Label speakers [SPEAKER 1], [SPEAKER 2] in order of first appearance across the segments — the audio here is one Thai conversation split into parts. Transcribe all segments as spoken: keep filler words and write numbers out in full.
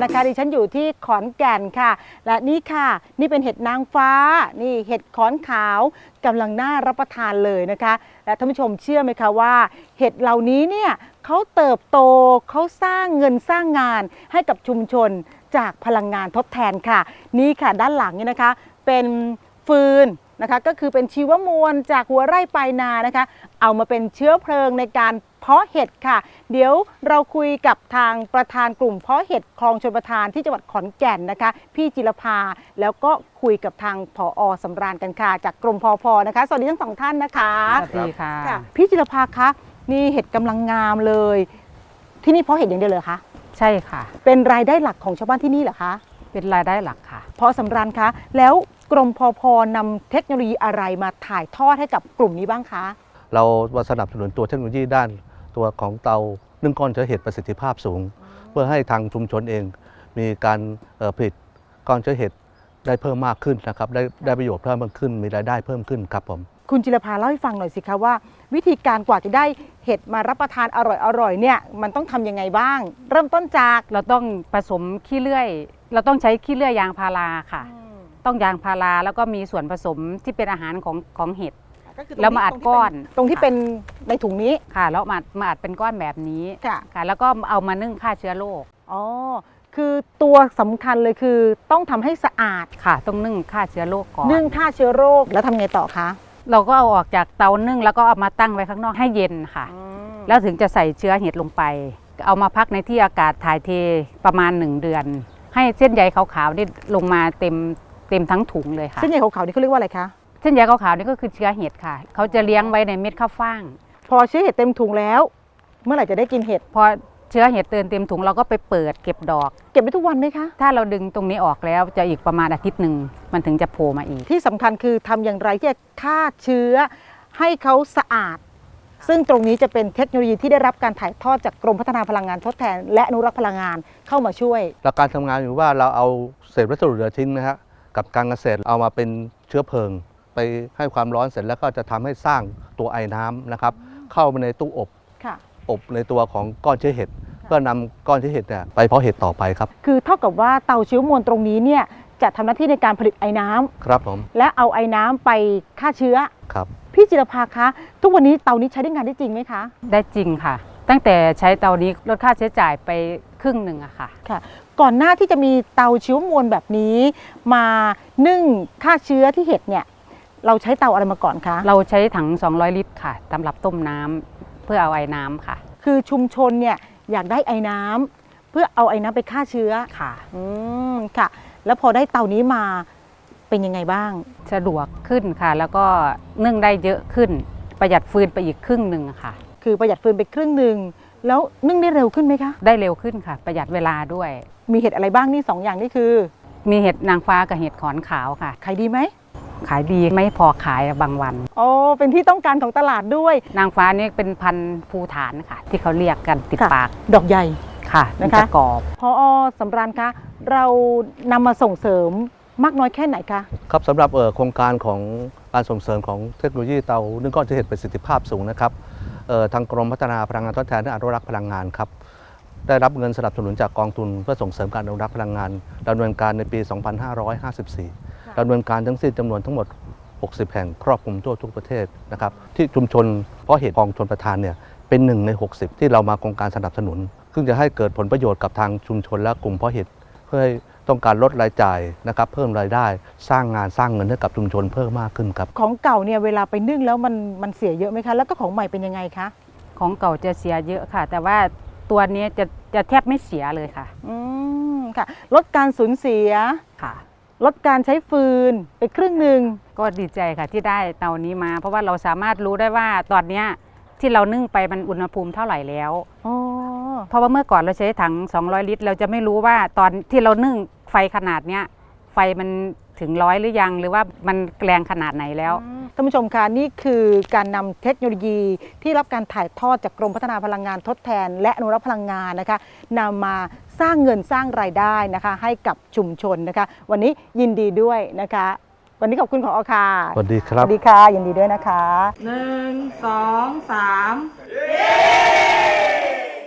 [SPEAKER 1] นะคะดิฉันอยู่ที่ขอนแก่นค่ะและนี่ค่ะนี่เป็นเห็ดนางฟ้านี่เห็ดขอนขาวกำลังน่ารับประทานเลยนะคะและท่านผู้ชมเชื่อไหมคะว่าเห็ดเหล่านี้เนี่ยเขาเติบโตเขาสร้างเงินสร้างงานให้กับชุมชนจากพลังงานทดแทนค่ะนี่ค่ะด้านหลังนี่นะคะเป็นฟืนนะคะก็คือเป็นชีวมวลจากหัวไร่ปลายนานะคะเอามาเป็นเชื้อเพลิงในการเพาะเห็ดค่ะเดี๋ยวเราคุยกับทางประธานกลุ่มเพาะเห็ดคลองชลประทานที่จังหวัดขอนแก่นนะคะพี่จิรภาแล้วก็คุยกับทางผอ.สำราญกันค่ะจากกรมพพ.นะคะสวัสดีทั้งสองท่านนะคะ
[SPEAKER 2] สวัสดีค่ะ
[SPEAKER 1] พี่จิรภาคะนี่เห็ดกำลังงามเลยที่นี่เพาะเห็ดอย่างเดียวเลยคะ
[SPEAKER 2] ใช่ค่ะ
[SPEAKER 1] เป็นรายได้หลักของชาวบ้านที่นี่เหรอคะ
[SPEAKER 2] เป็นรายได้หลักค่ะ
[SPEAKER 1] ผอ.สำราญคะแล้วกรมพพ.นำเทคโนโลยีอะไรมาถ่ายทอดให้กับกลุ่มนี้บ้างคะ
[SPEAKER 3] เราสนับสนุนตัวเทคโนโลยีด้านตัวของเตานึ่งก้อนเชื้อเห็ดประสิทธิภาพสูงเพื่อให้ทางชุมชนเองมีการผลิตก้อนเชื้อเห็ดได้เพิ่มมากขึ้นนะครับได้ได้ประโยชน์เพิ่มมากขึ้นมีรายได้เพิ่มขึ้นครับผม
[SPEAKER 1] คุณจิรภาเล่าให้ฟังหน่อยสิคะว่าวิธีการกว่าจะได้เห็ดมารับประทานอร่อยๆเนี่ยมันต้องทำยังไงบ้างเริ่มต้นจาก
[SPEAKER 2] เราต้องผสมขี้เลื่อยเราต้องใช้ขี้เลื่อยยางพาราค่ะต้องยางพาราแล้วก็มีส่วนผสมที่เป็นอาหารของของเห็ดแล้วมาอัดก้อน
[SPEAKER 1] ตรงที่เป็นในถุงนี้
[SPEAKER 2] ค่ะแล้วมามาอัดเป็นก้อนแบบนี้
[SPEAKER 1] ค่ะ
[SPEAKER 2] ค่ะแล้วก็เอามานึ่งฆ่าเชื้อโรค
[SPEAKER 1] อ๋อคือตัวสำคัญเลยคือต้องทำให้สะอาด
[SPEAKER 2] ค่ะต้องนึ่งฆ่าเชื้อโรคก่อน
[SPEAKER 1] นึ่งฆ่าเชื้อโรคแล้วทำไงต่อคะ
[SPEAKER 2] เราก็เอาออกจากเตานึ่งแล้วก็เอามาตั้งไว้ข้างนอกให้เย็นค่ะแล้วถึงจะใส่เชื้อเห็ดลงไปเอามาพักในที่อากาศถ่ายเทประมาณหนึ่งเดือนให้เส้นใยขาวๆนี่ลงมาเต็มเต็มทั้งถุงเลยค่ะ
[SPEAKER 1] เส้นใยขาวๆนี่เขาเรียกว่าอะไรคะ
[SPEAKER 2] เส้นใยขาวๆนี่ก็คือเชื้อเห็ดค่ะเขาจะเลี้ยงไว้ในเม็ดข้าวฟ่าง
[SPEAKER 1] พอเชื้อเห็ดเต็มถุงแล้วเมื่อไหร่จะได้กินเห็ด
[SPEAKER 2] พอเชื้อเห็ดเติมเต็มถุงเราก็ไปเปิดเก็บดอก
[SPEAKER 1] เก็บไปทุกวันไหมคะ
[SPEAKER 2] ถ้าเราดึงตรงนี้ออกแล้วจะอีกประมาณอาทิตย์หนึ่งมันถึงจะโผล่มาอีก
[SPEAKER 1] ที่สำคัญคือทำอย่างไรที่จะฆ่าเชื้อให้เขาสะอาดซึ่งตรงนี้จะเป็นเทคโนโลยีที่ได้รับการถ่ายทอดจากกรมพัฒนาพลังงานทดแทนและอนุรักษ์พลังงานเข้ามาช่วย
[SPEAKER 3] หลักการทำงานอยู่ว่าเราเอาเศษวัสดุเหลือทิ้งนะฮะกับการเกษตรเอามาเป็นเชื้อเพลิงไปให้ความร้อนเสร็จแล้วก็จะทำให้สร้างตัวไอ้น้ำนะครับเข้าไปในตู้อบอบในตัวของก้อนเชื้อเห็ดเพื่อนำก้อนเชื้อเห็ดเนี่ยไปเพาะเห็ดต่อไปครับ
[SPEAKER 1] คือเท่ากับว่าเตาชีวมวลตรงนี้เนี่ยจะทำหน้าที่ในการผลิตไอ้น้ำ
[SPEAKER 3] ครับผม
[SPEAKER 1] และเอาไอ้น้ำไปฆ่าเชื้อ
[SPEAKER 3] ครับ
[SPEAKER 1] พี่จิรภาคะทุกวันนี้เตานี้ใช้ได้งานได้จริงไหมคะ
[SPEAKER 2] ได้จริงค่ะตั้งแต่ใช้เตานี้ลดค่าใช้จ่ายไปครึ่งหนึ่งอะค่ะ
[SPEAKER 1] ค่ะก่อนหน้าที่จะมีเตาชีวมวลแบบนี้มานึ่งฆ่าเชื้อที่เห็ดเนี่ยเราใช้เตาอะไรมาก่อนคะ
[SPEAKER 2] เราใช้ถังสองร้อยลิตรค่ะสำหรับต้มน้ำเพื่อเอาไอ้น้ำค่ะ
[SPEAKER 1] คือชุมชนเนี่ยอยากได้ไอ้น้ำเพื่อเอาไอ้น้ำไปฆ่าเชื้อ
[SPEAKER 2] ค่ะ
[SPEAKER 1] อืมค่ะแล้วพอได้เตานี้มาเป็นยังไงบ้าง
[SPEAKER 2] สะดวกขึ้นค่ะแล้วก็นึ่งได้เยอะขึ้นประหยัดฟืนไปอีกครึ่งหนึ่งค่ะ
[SPEAKER 1] คือประหยัดฟืนไปครึ่งหนึ่งแล้วนึ่งได้เร็วขึ้นไหมคะ
[SPEAKER 2] ได้เร็วขึ้นค่ะประหยัดเวลาด้วย
[SPEAKER 1] มีเห็ดอะไรบ้างนี่สองอย่างนี่คือ
[SPEAKER 2] มีเห็ดนางฟ้ากับเห็ดขอนขาวค่ะ
[SPEAKER 1] ขายดีไหม
[SPEAKER 2] ขายดีไม่พอขายบางวัน
[SPEAKER 1] อ๋อเป็นที่ต้องการของตลาดด้วย
[SPEAKER 2] นางฟ้านี่เป็นพันธุ์ภูฐานค่ะที่เขาเรียกกันติดปาก
[SPEAKER 1] ดอกใหญ่
[SPEAKER 2] ค่ะนะคะกรอบ
[SPEAKER 1] พอสำราญคะเรานำมาส่งเสริมมากน้อยแค่ไหนคะ
[SPEAKER 3] ครับสำหรับโครงการของการส่งเสริมของเทคโนโลยีเตานึ่งก้อนเชื้อเห็ดประสิทธิภาพสูงนะครับทางกรมพัฒนาพลังงานทดแทนและอนุรักษ์พลังงานครับได้รับเงินสนับสนุนจากกองทุนเพื่อส่งเสริมการอนุรักษ์พลังงานดำเนินการในปี สองพันห้าร้อยห้าสิบสี่ ดำเนินการทั้งสิ้นจำนวนทั้งหมดหกสิบแห่งครอบคลุมทั่วทุกประเทศนะครับที่ชุมชนเพาะเห็ดคลองชลประทานเนี่ยเป็นหนึ่งในหกสิบที่เรามาโครงการสนับสนุนซึ่งจะให้เกิดผลประโยชน์กับทางชุมชนและกลุ่มเพาะเห็ดเพื่อให้ต้องการลดรายจ่ายนะครับเพิ่มรายได้สร้างงานสร้างเงินให้กับชุมชนเพิ่มมากขึ้นครับ
[SPEAKER 1] ของเก่าเนี่ยเวลาไปนึ่งแล้วมันมันเสียเยอะไหมคะแล้วก็ของใหม่เป็นยังไงคะ
[SPEAKER 2] ของเก่าจะเสียเยอะค่ะแต่ว่าตัวนี้จะจะแทบไม่เสียเลยค่ะ
[SPEAKER 1] อืมค่ะลดการสูญเสีย
[SPEAKER 2] ค่ะ
[SPEAKER 1] ลดการใช้ฟืนไปครึ่งหนึ่ง
[SPEAKER 2] ก็ดีใจค่ะที่ได้เตานี้มาเพราะว่าเราสามารถรู้ได้ว่าตอนนี้ที่เรานึ่งไปมันอุณหภูมิเท่าไหร่แล้วเพราะว่าเมื่อก่อนเราใช้ถังสองร้อยลิตรเราจะไม่รู้ว่าตอนที่เรานึ่งไฟขนาดเนี้ยไฟมันถึงร้อยหรือยังหรือว่ามันแรงขนาดไหนแล้ว
[SPEAKER 1] ท่านผู้ชมคะนี่คือการนำเทคโนโลยีที่รับการถ่ายทอดจากกรมพัฒนาพลังงานทดแทนและอนุรักษ์พลังงานนะคะนำมาสร้างเงินสร้างรายได้นะคะให้กับชุมชนนะคะวันนี้ยินดีด้วยนะคะวันนี้ขอบคุณผอ.ค่ะ
[SPEAKER 3] สวัสดีครับ
[SPEAKER 1] สวัสดีค่ะยินดีด้วยนะคะ
[SPEAKER 4] หนึ่งสองสาม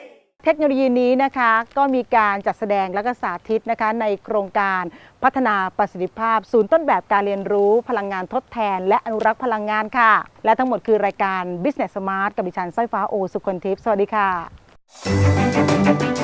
[SPEAKER 1] เทคโนโลยีนี้นะคะก็มีการจัดแสดงและก็สาธิตนะคะในโครงการพัฒนาประสิทธิภาพศูนย์ต้นแบบการเรียนรู้พลังงานทดแทนและอนุรักษ์พลังงานค่ะและทั้งหมดคือรายการ Business Smart กับดิฉันสร้อยฟ้าโอสุคนทิพย์สวัสดีค่ะ